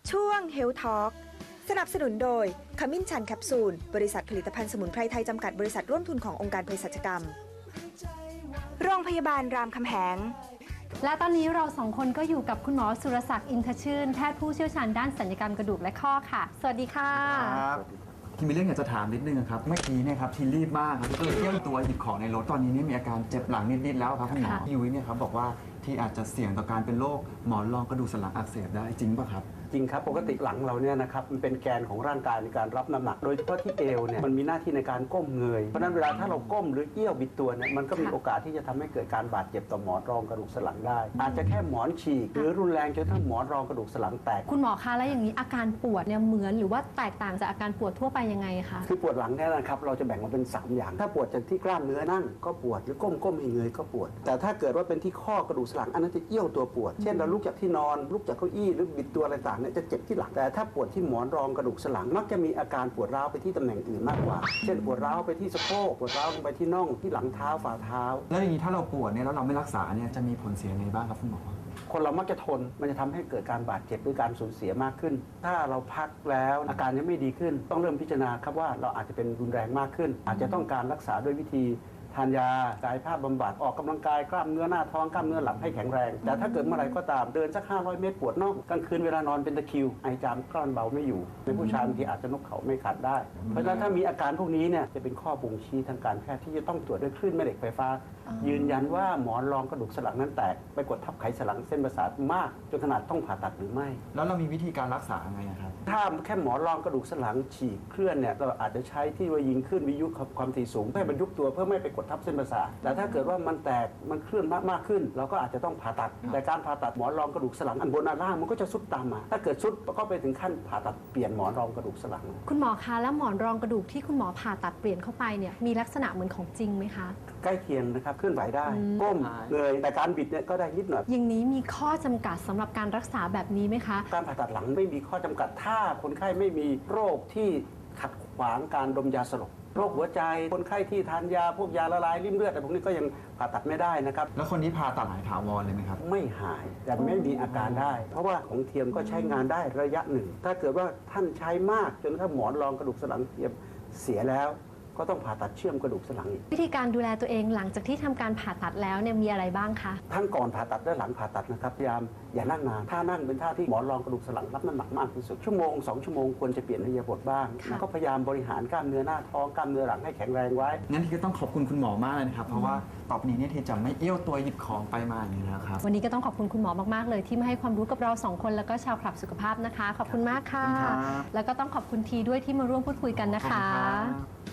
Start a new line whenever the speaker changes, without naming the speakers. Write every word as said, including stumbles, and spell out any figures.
ช่วง Health Talk สนับสนุนโดยขมิ้นชันแคปซูลบริษัทผลิตภัณฑ์สมุนไพรไทยจำกัดบริษัทร่วมทุนขององค์การเภสัชกรรมโรงพยาบาลรามคำแหง
และตอนนี้เราสองคนก็อยู่กับคุณหมอสุรศักดิ์อินทชื่นแพทย์ผู้เชี่ยวชาญด้านศัลยกรรมกระดูกและข้อค่ะสวัสดีค่ะ
ครับที่มีเรื่องอยากจะถามนิดนึงครับเมื่อกี้เนี่ยครับที่รีบมากครับก็เลยเที่ยวตัวหยิบของในรถตอนนี้เนี่ยมีอาการเจ็บหลังนิดๆแล้วครับคุณหมอพี่ยุ้ยเนี่ยครับบอกว่าที่อาจจะเสี่ยงต่อการเป็นโรคหมอนรองกระดูกสันหลังอักเสบได้จริงป่ะครับ
จริงครับปกติหลังเราเนี่ยนะครับมันเป็นแกนของร่างกายในการรับน้ำหนักโดยเฉพาะที่เอวเนี่ยมันมีหน้าที่ในการก้มเงยเพราะนั้นเวลาถ้าเราก้มหรือเอี้ยวบิดตัวเนี่ยมันก็มีโอกาสที่จะทำให้เกิดการบาดเจ็บต่อหมอนรองกระดูกสันหลังได้อาจจะแค่หมอนฉีกหรือรุนแรงจนทั้งหมอนรองกระดูกสันหลังแตก
คุณหมอคะแล้วอย่างนี้อาการปวดเนี่ยเหมือนหรือว่าแตกต่างจากอาการปวดทั่วไปยังไงคะ
คือปวดหลังเนี่ยนะครับเราจะแบ่งมาเป็นสามอย่างถ้าปวดจากที่กล้ามเนื้อนั่งก็ปวดหรือก้มก้มให้เงยก็ปวดแต่ถ้าเกิดว่าเป็นที่ข้อกระดูกสันหลังอันนั้นจะเอี้ยวตัวปวดเช่นเราลุกจากที่นอนลุกจากเก้าอี้หรือบิดตัวอะไรต่างเนี่ยจะเจ็บที่หลังแต่ถ้าปวดที่หมอนรองกระดูกสันหลังมักจะมีอาการปวดร้าวไปที่ตำแหน่งอื่นมากกว่าเช่นปวดร้าวไปที่สะโพกปวดร้าวลงไปที่น่องที่หลังเท้าฝ่าเท้า
แล้วอย่างนี้ถ้าเราปวดเนี่ยแล้วเราไม่รักษาเนี่ยจะมีผลเสียไงบ้างครับคุณหมอ
คนเรามักจะทนมันจะทำให้เกิดการบาดเจ็บหรือการสูญเสียมากขึ้นถ้าเราพักแล้วอาการยังไม่ดีขึ้นต้องเริ่มพิจารณาครับว่าเราอาจจะเป็นรุนแรงมากขึ้นอาจจะต้องการรักษาด้วยวิธีทานยากายภาพบำบัดออกกำลังกายกล้ามเนื้อหน้าท้องกล้ามเนื้อหลังให้แข็งแรงแต่ถ้าเกิดเมื่อไรก็ตามเดินสักห้าร้อยเมตรปวดน่องกลางคืนเวลานอนเป็นตะคริวไอจามกลั้นเบาไม่อยู่ในผู้ชายบางทีอาจจะนกเขาไม่ขัดได้เพราะฉะนั้นถ้ามีอาการพวกนี้เนี่ยจะเป็นข้อบ่งชี้ทางการแพทย์ที่จะต้องตรวจด้วยคลื่นแม่เหล็กไฟฟ้ายืนยันว่าหมอนรองกระดูกสันหลังนั้นแตกไปกดทับไขสันหลังเส้นประสาทมากจนขนาดต้องผ่าตัดหรือไม่
แล้วเรามีวิธีการรักษาไงครับ
ถ้าแค่หมอนรองกระดูกสันหลังฉีกเคลื่อนเนี่ยเราอาจจะใช้ที่ว่ายิงขึ้นวิทยุความถี่สูงเพื่อให้มันยุบตัวเพื่อไม่ไปกดทับเส้นประสาทแต่ถ้าเกิดว่ามันแตกมันเคลื่อนมากมากขึ้นเราก็อาจจะต้องผ่าตัดแต่การผ่าตัดหมอนรองกระดูกสันหลังอันบนอันล่างมันก็จะซุดตามมาถ้าเกิดซุดก็ไปถึงขั้นผ่าตัดเปลี่ยนหมอนรองกระดูกสันหลัง
คุณหมอคะแล้วหมอนรองกระดูกที่คุณหมอผ่าตัดเปลี่ยนเข้าไปเนี่ยมีลักษณะเหมือนของจริงไหมคะ
ใกล้เคียงนะครับเคลื่อนไหวได้ก้มเงยแต่การบิดเนี่ยก็ได้นิดหน่อย
อย่างนี้มีข้อจำกัดสำหรับการรักษาแบบนี้ไหมคะ
การผ่าตัดหลังไม่มีข้อจำกัดถ้าคนไข้ไม่มีโรคที่ขัดขวางการดมยาสลบโรคหัวใจคนไข้ที่ทานยาพวกยาละลายริ่มเลือดแต่พวกนี้ก็ยังผ่าตัดไม่ได้นะครับ
แล้วคนที่ผ่าตัดหายถาวรเลยไหมครับ
ไม่หายแต่ไม่มีอาการได้เพราะว่าของเทียมก็ใช้งานได้ระยะหนึ่งถ้าเกิดว่าท่านใช้มากจนถ้าหมอนรองกระดูกสันหลังเทียมเสียแล้วก็ต้องผ่าตัดเชื่อมกระดูกสันหลังอีก
วิธีการดูแลตัวเองหลังจากที่ทำการผ่าตัดแล้วเนี่ยมีอะไรบ้างคะ
ทั้งก่อนผ่าตัดและหลังผ่าตัดนะครับพยายามอย่านั่งนานถ้านั่งเป็นท่าที่หมอนรองกระดูกสันหลังรับน้ำหนักมากที่สุดชั่วโมงสองชั่วโมงควรจะเปลี่ยนอิริยาบถบ้างแล้วก็พยายามบริหารกล้ามเนื้อหน้าท้องกล้ามเนื้อหลังให้แข็งแรงไว้
งั้นที่ก็ต้องขอบคุณคุณหมอมากเลยนะครับเพราะว่าต่อไปนี้เนี่ยที่จะไม่เอี้ยวตัวหยิบของไปมาอย่างนี้นะครับ
วันนี้ก็ต้องขอบคุณคุณหมอมากๆเลยที่มาให้ความรู้กับเราสองคนแล้วก็ชาวคลับสุขภาพนะคะขอบคุณมากค่ะแล้วก็ต้องขอบคุณทีด้วยที่มาร่วมพูดคุยกันนะคะ